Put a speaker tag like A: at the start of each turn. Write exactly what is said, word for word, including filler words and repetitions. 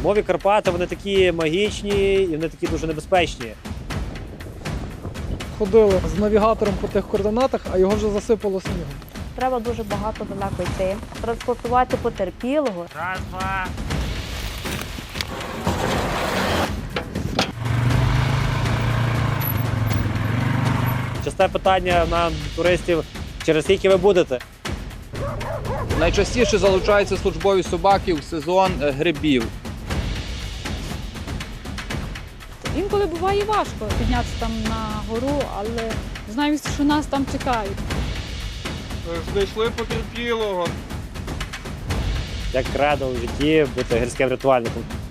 A: Зимові Карпати, вони такі магічні і вони такі дуже небезпечні.
B: Ходили з навігатором по тих координатах, а його вже засипало снігом.
C: Треба дуже багато далеко йти. Транспортувати потерпілого.
A: Раз, два. Часте питання на туристів, через скільки ви будете?
D: Найчастіше залучаються службові собаки в сезон е, грибів.
E: Інколи буває важко піднятися там на гору, але знаємо, що нас там чекають.
F: Знайшли потерпілого.
A: Як кредо у житті бути гірським рятувальником?